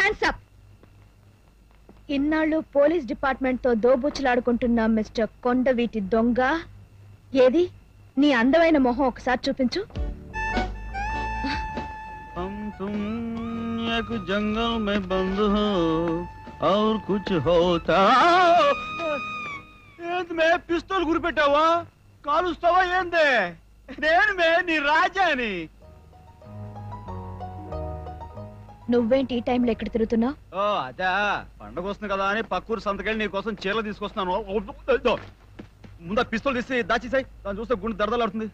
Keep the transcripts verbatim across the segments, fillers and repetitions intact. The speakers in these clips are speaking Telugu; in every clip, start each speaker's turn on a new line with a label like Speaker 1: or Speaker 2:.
Speaker 1: Hands up. ఇన్నాళ్ళు పోలీస్ డిపార్ట్మెంట్ తో దోబుచ్చులాడుకుంటున్న మిస్టర్ కొండవీటి దొంగ, ఏది నీ అందమైన మొహం ఒకసారి చూపించు.
Speaker 2: జంగల్ మే బంద్ హో ఔర్ కుచ్ హోతా. ఏంది మే పిస్తోల్ గురిపెట్టావా? కాలుస్తావా ఏందే? నేను మే నీ రాజాని.
Speaker 1: నువ్వేంటి ఈ టైంలో ఎక్కడ తిరుగుతున్నావు?
Speaker 2: ఓ అదా, పండగ వస్తుంది కదా అని పక్కూరు సంతకెళ్ళి నీ కోసం చీరలు తీసుకొస్తున్నాను. ముందా పిస్తోల్ తీసి దాచేసాయి, దాన్ని చూస్తే గుండె దరదలాడుతుంది.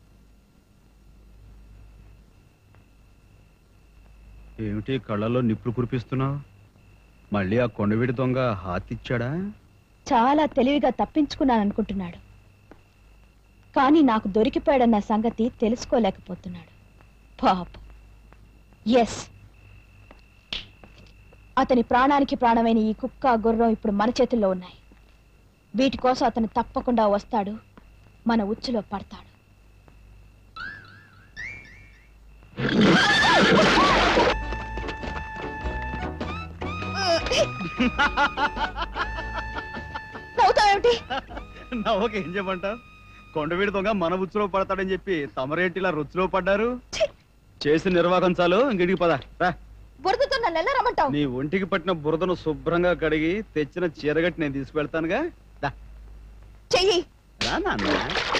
Speaker 2: ఏమిటి కళ్ళల్లో నిప్పులు కురిపిస్తున్నావు? మళ్ళీ ఆ కొండవీడి దొంగ హాతిచ్చాడా?
Speaker 1: చాలా తెలివిగా తప్పించుకున్నాను అనుకుంటున్నాడు, కానీ నాకు దొరికిపోయాడన్న సంగతి తెలుసుకోలేకపోతున్నాడు. పాపం. ఎస్, అతని ప్రాణానికి ప్రాణమైన ఈ కుక్క గుర్రం ఇప్పుడు మన చేతుల్లో ఉన్నాయి. వీటి కోసం అతను తప్పకుండా వస్తాడు, మన ఉచ్చులో పడతాడు. నవ్వుతావేమిటి?
Speaker 2: నవ్వక ఏం చెప్పంటావు? కొండవీడి దొంగ మన ఉచ్చులో పడతాడని చెప్పి తమరేంటిలా రుచిలో పడ్డారు. చేసిన నిర్వాహకం చాలు, ఇంటికి పద. రా.
Speaker 1: బురదతో నన్ను ఎలా రమ్మంటావు?
Speaker 2: నీ ఒంటికి పట్టిన బురదను శుభ్రంగా కడిగి తెచ్చిన చీరగట్టి నేను తీసుకువెళ్తానుగా.
Speaker 1: చెయ్యి.
Speaker 2: రా నాన్న.